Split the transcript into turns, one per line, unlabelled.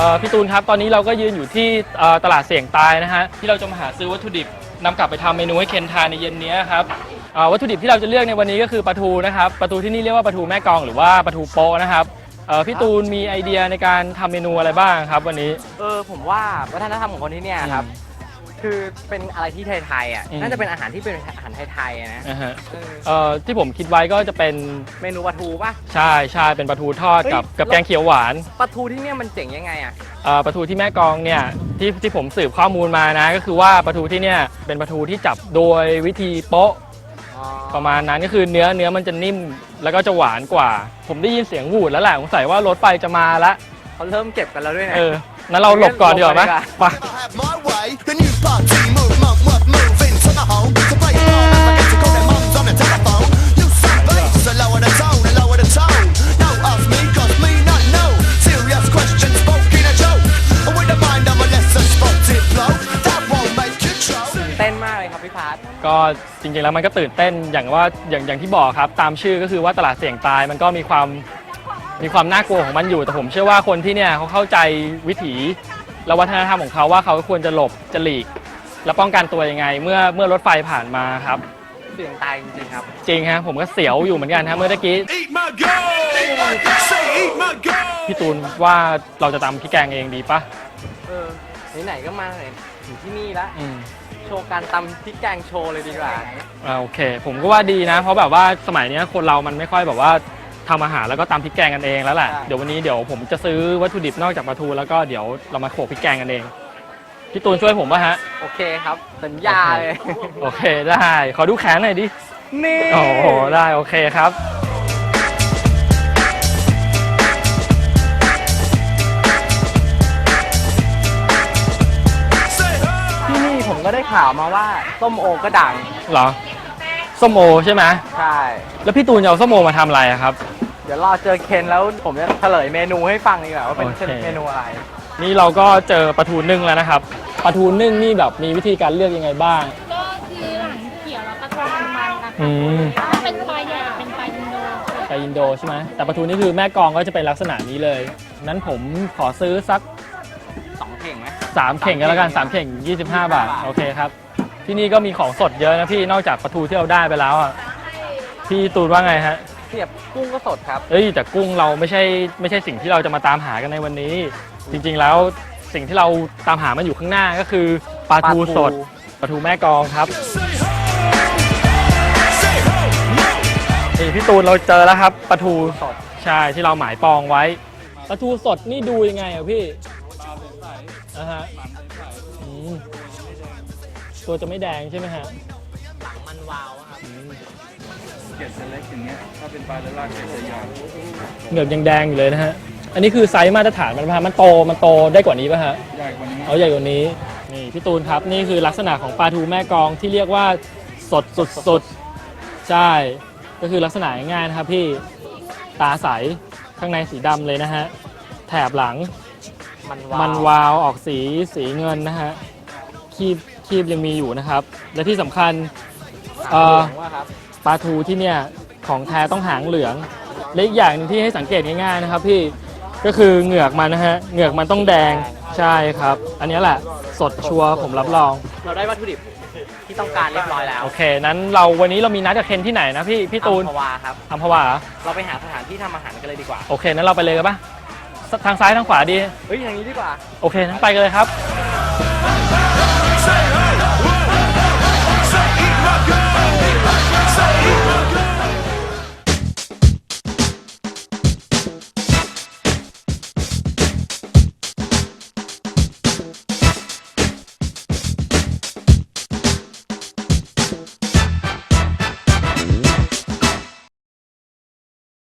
พี่ตูนครับตอนนี้เราก็ยืนอยู่ที่ตลาดเสี่ยงตายนะฮะที่เราจะมาหาซื้อวัตถุดิบนำกลับไปทำเมนูให้เคนทานในเย็นนี้ครับวัตถุดิบที่เราจะเลือกในวันนี้ก็คือปลาทูนะครับปลาทูที่นี่เรียกว่าปลาทูแม่กลองหรือว่าปลาทูโป๊ะนะครับพี่ตูนมีไอเดียในการทำเมนูอะไรบ้างครับวันนี้
ผมว่าวัฒนธรรมของคนที่เนี่ยครับคือเป็นอะไรที่ไทยๆอ่ะน่าจะเป็นอาหารที่เป็นอาหารไทยๆนะ
ที่ผมคิดไว้ก็จะเป็น
เมนูปลาทูป่ะ
ใช่เป็นปลาทูทอดกับแกงเขียวหวาน
ปลาทูที่เนี่ยมันเจ๋งยังไงอ่ะ
ปลาทูที่แม่กลองเนี่ยที่ผมสืบข้อมูลมานะก็คือว่าปลาทูที่เนี่ยเป็นปลาทูที่จับโดยวิธีโป๊ะประมาณนั้นก็คือเนื้อมันจะนิ่มแล้วก็จะหวานกว่าผมได้ยินเสียงหวูดแล้วแหละสงสัยว่ารถไฟจะมาแล้ว
เขาเริ่มเก็บกันแล้วด้วยนะ
นั้นเราหลบก่อนดีกว่าไหมไป
เต้นมากเลยครับพี่พาร์ท
ก็จริงๆแล้วมันก็ตื่นเต้นอย่างที่บอกครับตามชื่อก็คือว่าตลาดเสี่ยงตายมันก็มีความน่ากลัวของมันอยู่แต่ผมเชื่อว่าคนที่เนี่ยเขาเข้าใจวิถีและวัฒนธรรมของเขาว่าเขาควรจะหลบจะหลีกและป้องกันตัวยังไงเมื่อรถไฟผ่านมาครับ
เสี่ยงตายจริงๆครับ
จริงฮะผมก็เสียวอยู่เหมือนกันครับเมื่อกี้พี่ตูนว่าเราจะตำพี่แกงเองดีปะ
ไหนๆก็มาเลยถึงที่นี่แล้วโชว์การตำพริกแกงโชว์เลยดีกว่า
โอเคผมก็ว่าดีนะเพราะแบบว่าสมัยนี้คนเรามันไม่ค่อยแบบว่าทำอาหารแล้วก็ตำพริกแกงกันเองแล้วแหละเดี๋ยววันนี้ผมจะซื้อวัตถุดิบนอกจากปลาทูแล้วก็เดี๋ยวเรามาโขลกพริกแกงกันเองพี่ตูนช่วยผมป่ะฮะ
โอเคครับสัญญาเลย
โอเคได้ขอดูแขนหน่อยดิ
นี่
โอ้โหได้โอเคครับ
ที่นี่ผมก็ได้ข่าวมาว่าส้มโอก็ดัง
เหรอส้มโอใช่ไหม
ใช่
แล้วพี่ตูนจะเอาส้มโอมาทำอะไรครับ
เดี๋ยวรอเจอเคนแล้วผมจะเฉลยเมนูให้ฟังดีกว่าว่าเป็นเมนูอะไร
นี่เราก็เจอปลาทูนึ่งแล้วนะครับปลาทูนึ่งนี่แบบมีวิธีการเลือกยังไงบ้าง
ก็คือหลังเขียวแล้วปลาทูมันนะคะถ้าเป็นปลาใหญ่เป็นปลาอินโด
ปลาอินโดใช่ไหมแต่ปลาทูนี่คือแม่กลองก็จะเป็นลักษณะนี้เลยนั้นผมขอซื้อสัก
2เข่งไหม
3เข่งก็แล้วกัน3เข่ง25 บาทโอเคครับที่นี่ก็มีของสดเยอะนะพี่นอกจากปลาทูที่เราได้ไปแล้วอ่ะพี่ตูนว่าไงฮะ
เทียบกุ้งก็สดครับ
แต่กุ้งเราไม่ใช่สิ่งที่เราจะมาตามหากันในวันนี้จริงๆแล้วสิ่งที่เราตามหามันอยู่ข้างหน้าก็คือปลาทูสดปลาทูแม่กลองครับนี่พี่ตูนเราเจอแล้วครับปลาทูสดใช่ที่เราหมายปองไว้ปลาทูสดนี่ดูยังไงอ่ะพี่ฮะตัวจะไม่แดงใช่ไหมฮะ
หลังมันวาวครับ
เกล็ดเล็กอย่างเงี้ยถ้าเป็นปลาเนื้อลากเกล็ดจะยาว
เหงือกยังแดงอยู่เลยนะฮะอันนี้คือไซส์มาตรฐานมันโตได้กว่านี้ป่ะฮะ
ใหญ่กว่านี้
ใหญ่กว่านี้นี่พี่ตูนครับนี่คือลักษณะของปลาทูแม่กลองที่เรียกว่าสดสุดใช่ก็คือลักษณะง่ายๆนะครับพี่ตาใสข้างในสีดำเลยนะฮะแถบหลังมันวาวออกสีเงินนะฮะคีบยังมีอยู่นะครับและที่สำคัญปลาทูที่เนี่ยของแท้ต้องหางเหลืองและอีกอย่างนึงที่ให้สังเกตง่ายๆนะครับพี่ก็คือเหงือกมันนะฮะเหงือกมันต้องแดงใช่ครับอันนี้แหละสดชัวร์ผมรับรอง
เราได้วัตถุดิบที่ต้องการเรียบร้อยแล้ว
โอเคนั้นวันนี้เรามีนัดกับเคนที่ไหนนะพี่ตูน
อัมพวาครับ
อัมพวา
เราไปหาสถานที่ทำอาหารกันเลยดีกว่า
โอเคนั้นเราไปเลยกันปะทางซ้ายทางขวาดี
ทางนี้ดีกว่า
โอเคนั้นไปกันเลยครับ